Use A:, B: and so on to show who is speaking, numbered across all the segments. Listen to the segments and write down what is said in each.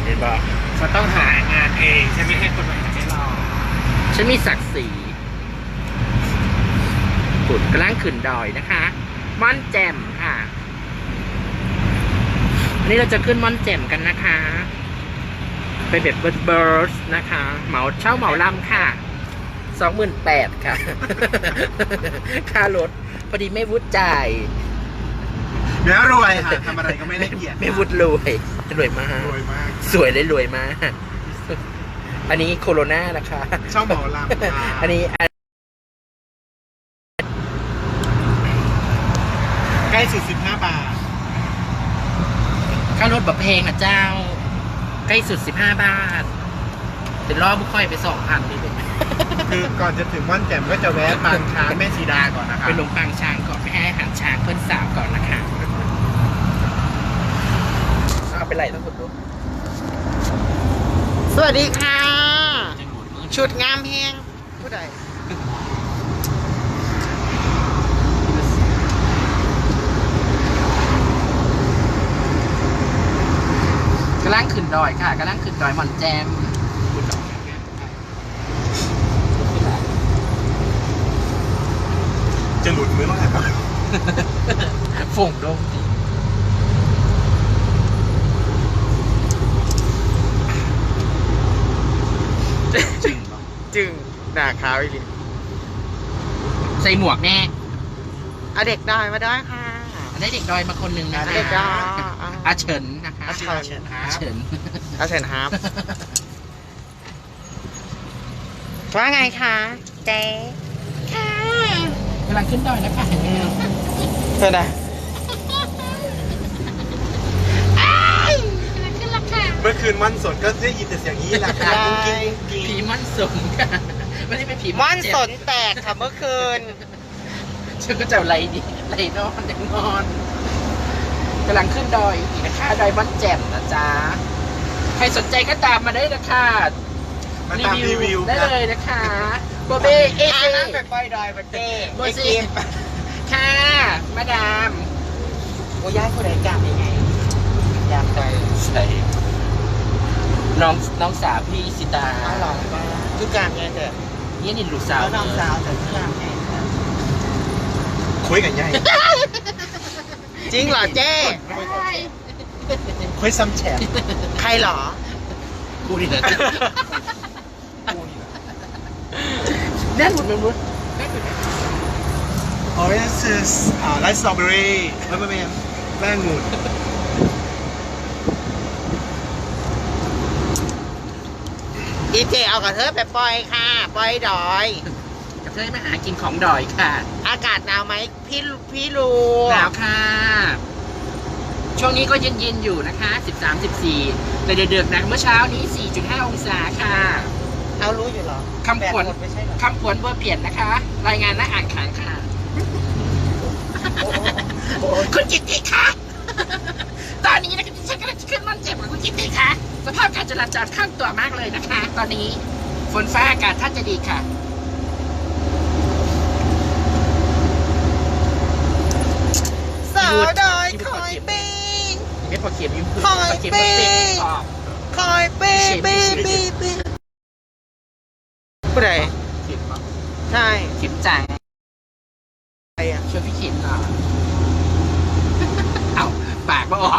A: ห็นบอก
B: ฉันต้องหางานเองฉันไม่ให้คนมาหาให้เรา
A: ฉันมีศักดิ์ศรีขุดกำลังขึ้นดอยนะคะม่อนแจ่มค่ะวันนี้เราจะขึ้นม่อนแจ่มกันนะคะไปแบบเบิร์ดนะคะเหมาเช่าเหมาลำค่ะ28,000ค่ะ ค่ารถพอดีไม่วุฒิจ่าย
B: แล้วรวยค่ะทำอะไรก็ไม่ได้เกียรติ
A: ไม่วุฒิรวยมาก
B: รวยมาก
A: สวยเลยรวยมาก อันนี้โคโรนานะคะ
B: เช่าหมอลำ
A: อันนี้
B: ใกล้สุด15 บาท
A: ค่ารถแบบเพลงนะเจ้า ใกล้สุด15 บาทเดี๋ยวรอบบุคอยไป2,000นี่เป็น
B: คือก่อนจะถึงม่อนแจ่มก็จะแวะปางช้างแม่สีดาก่อนนะครับ
A: ไปลงปางช้างก่อนไปให้อาหารช้างเพื่อนสาวก่อนนะคะเอาไปไหลทั้งหมดลูก
C: สวัสดีค่ะ ชุดงามแฮงผู้ใด
A: กำลังขึ้นดอยค่ะกำลังขึ้นดอยหม่อนแจม
B: จะหลุดมือเมื่อไหร่บ้าง
A: ฝงโดงจริงเหรอ
C: จึงหน้าขาวอีกที
A: ใส่หมวกแน่
C: เอาเด็กดอยมาด้วยค่ะ
A: ได้เด็กดอยมาคนหนึ่งนะคะ
C: เด็กดอย
A: อาเฉินนะคะ
C: อาเฉิน
A: อาเฉิน
C: เอาเชิญครับว่าไงคะเจ๊ค่ะ
A: กำลังขึ้นดอยนะคะ
C: เพื่อนอะ
B: เมื่อคืนม่อนสดก็ได้ยินแต่เสียงนี้แหละค่ะกุ้งกิ้งกุ้ง
A: ผี
B: กิ้ง
A: ม่อนสนค่ะไม่ได้เป็นผี
C: ม่อน
A: เจ็บ
C: สนแตกค่ะเมื่อคืน
A: ฉันก็จะไล่ดิไล่นอนยังนอนกำลังขึ้นดอยอีกนะคะดอยม่อนแจ่มนะจ๊ะใครสนใจก็ตามมาได้นะคะ
B: มาตามรีวิว
A: ได้
B: นะ
A: เลยนะคะโบเบ้เอ
C: อ่า
A: เอ
C: นั่งไปปล่อยดอยบัดเด้
A: โบ
C: ไอ้
A: ซี
C: กิม
A: ค่ะ มาดาม
C: โอ้ย้ายผู้ใดกลับยังไงอยากไป
A: ใช่น้องสาวพี่สิตา
C: เอาหลอกมาทุกการไงเถอะ
A: นี่นี่ลูกสาว
C: เอาน้องสาวแต่ทุกการไง
B: คุยกันใหญ่
C: จริงเหรอเจ๊
B: คุยซ้ำแฉะ
C: ใครเหรอ
A: กูนี่แหละแน่นหมดเลยมุด
B: โอ้ยนี่คือไลท์สตรอเบอรี่ไม่แป้งงู
C: อีเจเอากับเธอไปปล่อยค่ะปล่อยดอย
A: กระเทยมาหากินของดอยค่ะ
C: อากาศหนาวไหมพี่ลู
A: หนาวค่ะ ช่วงนี้ก็เย็นๆอยู่นะคะ13-14แต่เดือดๆนะเมื่อเช้านี้ 4.5 องศาค่ะ
C: เอารู้อยู่เหรอ
A: คำขวัญ
C: แบตหมดไม่ใช่เหรอ
A: คำขวัญเบอร์เปลี่ยนนะคะ รายงานหน้าอ่านขานค่ะ คุณจิตติคะตอนนี้นะคะฉันกำลังจะขึ้นม่อนแจ่มกับคุณจิตติคะสภาพการจราจรข้างตัวมากเลยนะคะ ตอนนี้ฝนฟ้าอากาศท่านจะดีค่ะ
C: สาวดอยคอยปี
A: ไม่พอเขียนยิ้ม
C: คอย
A: เขียน
C: ปี
A: ไม่เป็นออก
C: คอยปีผู้ใด
A: เขียนมา
C: ใช่
A: เขียนจัง
C: ใครอ่ะ
A: ช่วยพี่เขียนหน่อยเอาปากมาออก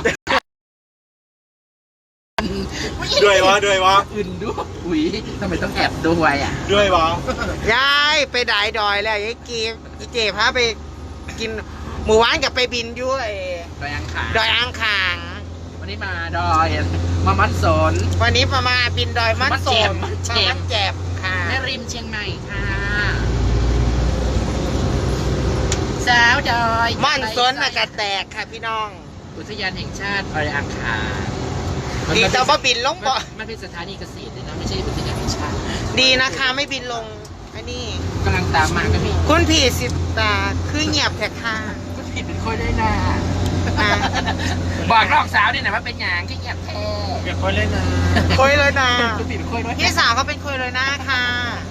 B: ด้วยวะ
A: อื่นด้วยอุ้ยทำไมต้องแอบด้วยอ่ะ
B: ด้วยวะ
C: ยายไปดายดอยแล้วยายกีมอีเจพาไปกินหมู่บ้านกับไปบินด้วย
A: ดอยอังคาร
C: ดอยอ่างขาง
A: วันนี้มาดอยมามันสน
C: วันนี้ประมาณบินดอยมันโสม
A: มันแจ่ม
C: มันแจ่มค่ะ
A: แม่ริมเชียงใหม่ค่ะสาวดอย
C: มันสนอากาศแตกค่ะพี่น้อง
A: อุทยานแห่งชาติดอยอังคาร
C: ดีแต่ว่าบินลงบ่
A: มันเป็นสถานีเกษตรเลยนะไม่ใช่อุทยานแห่งชาติ
C: ดีนะคะไม่บินลงอันนี้
A: กำลังตามมาก็มี
C: คุณผีสิตาคือเงียบแท้ค่ะ
A: ก็ผิดเป็นคนได้นะ
C: อ่ะ
A: บอกน้องสาวนี่นะว่าเป็นหยางที่เงียบแท้
B: อย่าคุยเล่นนะ
C: คุยเลยนะ
A: ก็ผิดเป็นคนด้วย
C: พี่สาวเขาเป็นคุยเลยนะค่ะ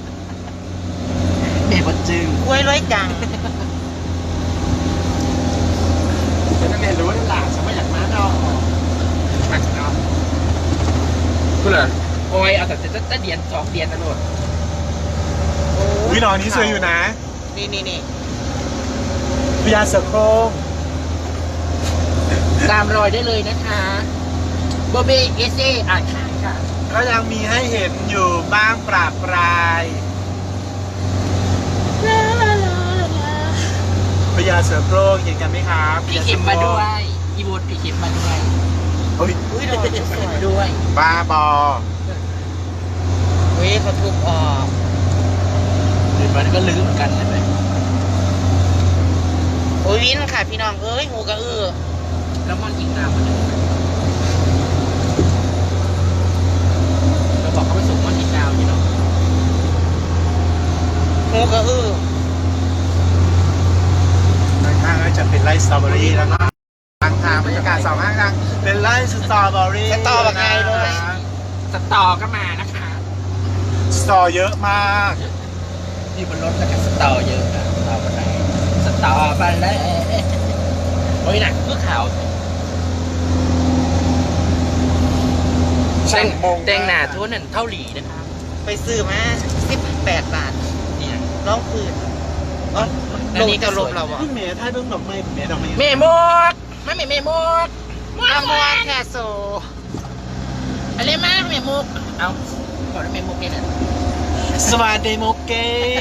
A: เด็กบดจึง
C: คุยเลยจัง
B: ฉันนั่นเรียนรู้ได้หลานฉันไม่อยากมาดอก
A: มาจากนอกกูเหรอโอ้ยเอาแต่จะเดียน2 เดือนนะโลด
B: อุ้ยนอนนี้สวยอยู่นะ
C: นี่
B: พญาเสือโคร่ง
A: ตามรอยได้เลยนะคะโบเบเอเซอ่านข้างค่ะ
B: ก็ยังมีให้เห็นอยู่บ้างปราบปรายพญาเสือโคร่งเห็นกันไหมครับ
A: พี่เข็มมาด้วยอีบูดพี่เข็มมาด้วย
B: โอ้ย
C: อุ้ยดอกสวย
A: ด้วย
B: บ้าบอ
C: อุ้ยเขาทุบออก
A: เดี๋ยวมันก็ลื้อเหมือนกันใช่ไหม
C: โอ้ยวินค่ะพี่น้องเอ้ยหูกระอือ
A: แล้วมันยิงน้ำมันเราบอกเขาไปส่งมันยิงดาวนี่เนาะ
C: หูกระอือ
B: ด้านข้างก็จะเป็นไร่สตรอเบอรี่แล้วก็ทางทางบรรยากาศสองข้างทางเป็นไร่สตรอเบอรี่
C: สตอแบบไงเลย
A: สตอก็มานะคะ
B: สตอเยอะมาก
A: ที่บนรถแล้วก็สตอเยอะนะสตอมาไหนสตอมาแล้วโอ้ยหนักเพื่อขาวแต่งหนาทั่วนั่นเท่าหลีนะครับ
C: ไปซื้อมา18 บาท
A: เนี่ย
C: ร้องคืนอ๋อลงจะลบเราอ่ะ
B: เพิ่งเมย์ถ้าเพิ่งดอกไม้เมย์ดอกไม้
A: เมมดไม่เมมด
C: อามวนแคโซ
A: อะไรมากเมมกเอาขอได้เมมกเนี่ยนะ
B: สวัสดีโมเก้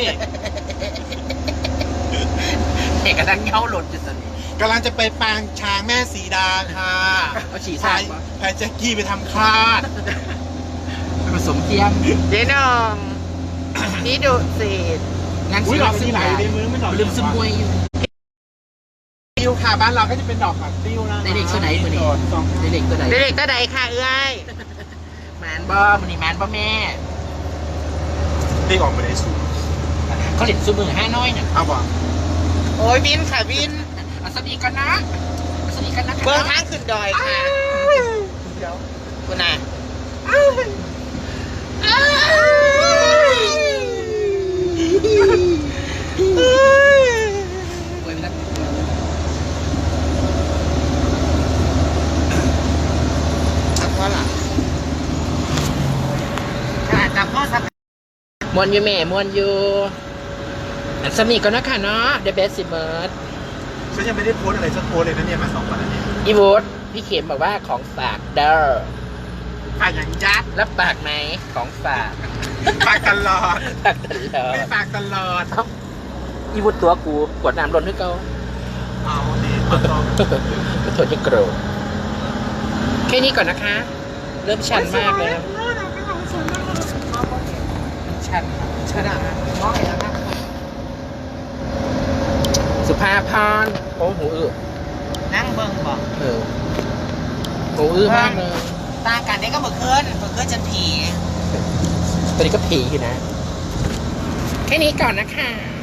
A: เอกกระดังเงาหล่นจุดตอนนี้
B: กำลังจะไปปางช้างแม่สีดาค่ะ
A: เอาฉี่
B: พา
A: ใส่
B: ยพายแจ็คกี้ไปทำคลาด
A: ผสมเทียม
C: เจ๊น้องนี่ดูสิ
A: งาน
B: อุ้ย
A: ศิล
B: ดอก
A: ปะ
B: สีไหลในมือไม่ดอก
A: ลืมซึมมวยอยู่
B: ติ้วค่ะบ้านเราก็จะเป็นดอกผักติ้วนะ
A: เด็กๆตัวไหนมือนี้เด็กๆตัวไหน
C: เด็กๆตาใดค่ะเอ้ย
A: แมนบอมันนี่แมนบอแม่
B: เด็กออกมาได้สูง
A: เขาเล่นซูมือ5 น้อยน่ะ
B: เอาบ่
C: โอ้ยวินค่ะวิน
A: เอาสวัสดีกันนะเอาสวัสดีกันนะ
C: เบื้องทางขึ้นดอยค่ะคุณน่ะ
A: โอ้ยไม่ได้
C: ทำเพราะหลังขนาดจำพ่อสัก
A: มวนอยู่แม่มวนอยู่อันสำนีก่อนนะค่ะเนาะ The Best s i m e r
B: ฉันยังไม่ได้โพสอะไรสักโพสเลยนะเนี่ยมา2 วันแล้วเนี่ย
A: อีวูดพี่เข็มบอกว่าของฝากเด้อ
B: ฝากอย่างยัด
A: รับปากไหมของฝาก
B: ฝากตลอด
A: ฝากตลอ
B: ไม่
A: ด
B: ฝากตลอด
A: อีวูดตัวกูกวดน้ำร้อนให้เขา
B: เอาดีตัวตรง
A: ก็ทนจะโกรธแค่นี้ก่อนนะคะ เริ่มชันมากเลยชันชันมาก
C: น้อยแล้วนะ
A: สุภาพรโอ้หูอื้อ
C: นั่งเบิ่งบอก
A: เออหูอื้อมากเลย
C: ต่างกันได้ก็เมื่อคืนจะผี
A: ตอนนี้ก็ผีอยู่นะ แค่นี้ก่อนนะคะ